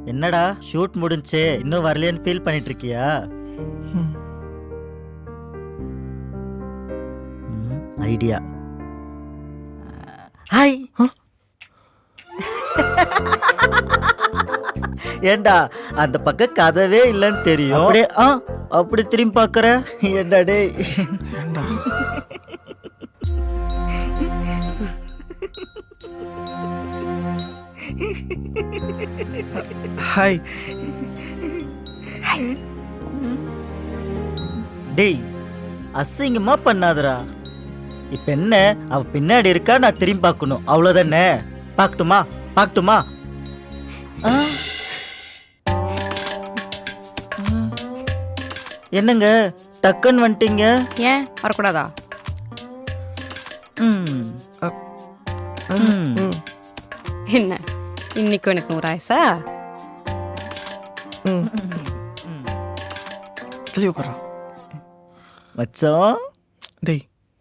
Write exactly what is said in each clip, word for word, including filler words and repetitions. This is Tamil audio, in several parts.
என்னடா ஷூட் முடிஞ்சே இன்னும் வரலையேன்னு ஃபீல் பண்ணிட்டு இருக்கியா? ஐடியா. ஹாய். ஏண்டா அந்த பக்கம் கதவே இல்லைன்னு தெரியும், அப்படியே ஆ அப்படி திரும்பி பார்க்கற ஏண்டா டேய்? ஹாய். டேய் அசிங்கமா பண்ணாதடா. இப்ப என்ன, அவ பின்னாடி இருக்கா, நான் திரும்பி பார்க்கணும், அவ்வளவுதானே? பார்க்கட்டுமா பார்க்கட்டுமா? என்னங்க டக்குன்னு வந்துட்டீங்க? ஏன் வரக்கூடாதா? ம். ம். என்ன இன்னைக்கு எனக்கு நூறு ஆயிசா? தெளிவு போடுறான் மச்சான். டேய்.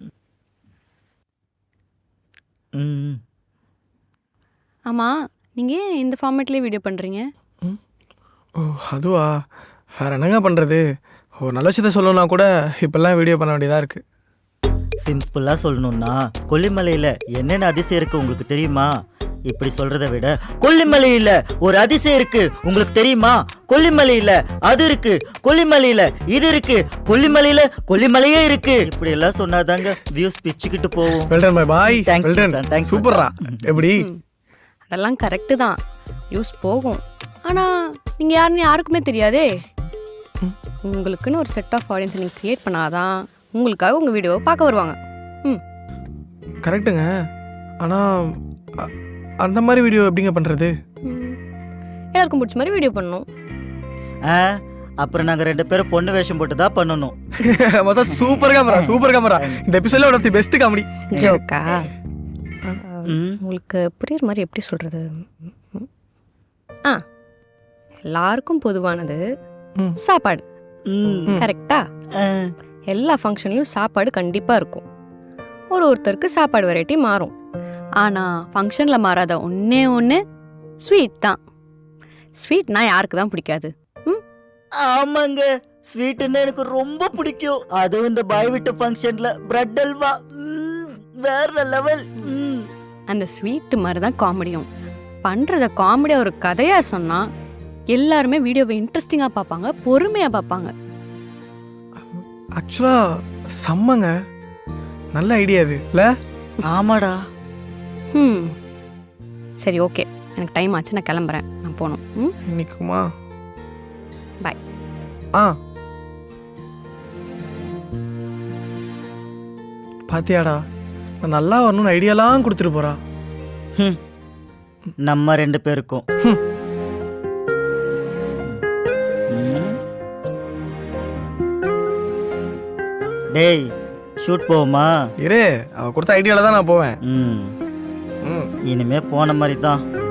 ம். ஆமா, நீங்க ஏன் இந்த ஃபார்மேட்லயே வீடியோ பண்றீங்க? ஓ அதுவா, வேற என்னங்க பண்றது? ஒரு நல்ல விஷயத்த சொல்லணும்னா கூட இப்பெல்லாம் வீடியோ பண்ண வேண்டியதா இருக்கு. சிம்பிளா சொல்லணும்னா கொல்லிமலையில என்னென்ன அதிசயம் இருக்கு உங்களுக்கு தெரியுமா? இப்படி சொல்றதை விட கொல்லிமலையில ஒரு அதிசயம் இருக்கு உங்களுக்கு தெரியுமா? கொல்லிமலையில அது இருக்கு, கொல்லிமலையில இது இருக்கு, கொல்லிமலையில கொல்லிமலையே இருக்கு, இப்படி எல்லாம் சொன்னாதாங்க வியூஸ் பிச்சுக்கிட்டு போகும். Well done bye bye. Thanks well done. மச்சான், thanks சூப்பர்ரா. எப்படி? அதெல்லாம் கரெக்டு தான், யூஸ் போகும். ஆனா நீங்க யாருன்னு யாருக்குமே தெரியாதே. உங்களுக்குன்னு ஒரு செட் ஆஃப் ஆடியன்ஸை நீங்கள் க்ரியேட் பண்ணாதான் உங்களுக்காக உங்கள் வீடியோவை பார்க்க வருவாங்க. ம் கரெக்டுங்க. ஆனால் அந்த மாதிரி வீடியோ எப்படிங்க பண்ணுறது? எல்லாருக்கும் பிடிச்ச மாதிரி வீடியோ பண்ணணும். ஆ அப்புறம் நாங்கள் ரெண்டு பேரும் பொண்ணு வேஷம் போட்டு தான் பண்ணணும். மொத்தம் சூப்பர் கேமரா, சூப்பர் கேமரா. இந்த எபிசோட்ல one of the best comedy. ஜோக்கா? உங்களுக்கு புரியுற மாதிரி எப்படி சொல்கிறது? ஆ எல்லாருக்கும் பொதுவானது சாப்பாடு, கரெக்டா? எல்லா ஃபங்க்ஷன்லையும் சாப்பாடு கண்டிப்பாக இருக்கும். ஒரு ஒருத்தருக்கு சாப்பாடு வெரைட்டி மாறும். ஆனால் ஃபங்க்ஷனில் மாறாத ஒன்றே ஒன்று ஸ்வீட் தான். ஸ்வீட்னா யாருக்கு தான் பிடிக்காது? ம் ஆமாங்க, ஸ்வீட்டுன்னு எனக்கு ரொம்ப பிடிக்கும். அதுவும் இந்த பாய் வீட்டு ஃபங்க்ஷன்ல பிரெட் அல்வா வேற லெவல். அந்த ஸ்வீட்டு மாதிரி தான் காமெடியும். பண்ணுறத காமெடியாக ஒரு கதையாக சொன்னால் எல்லாருமே வீடியோவை இன்ட்ரெஸ்டிங்காக பார்ப்பாங்க, பொறுமையாக பார்ப்பாங்க. ஆக்சுவலாக செம்மங்க, நல்ல ஐடியா இது இல்லை? ஆமாடா. ம் சரி, ஓகே, எனக்கு டைம் ஆச்சு, நான் கிளம்புறேன், நான் போகணும். ம் இன்னைக்குமா? பாய். ஆ பாத்தியாடா, நான் நல்லா வரணும்னு ஐடியாலாம் கொடுத்துட்டு போறா. நம்ம ரெண்டு பேருக்கும். டேய் ஷூட் போவோமா? இரு, அவ கொடுத்த ஐடியால தான் நான் போவேன். ம் இனிமே போன மாதிரி தான்.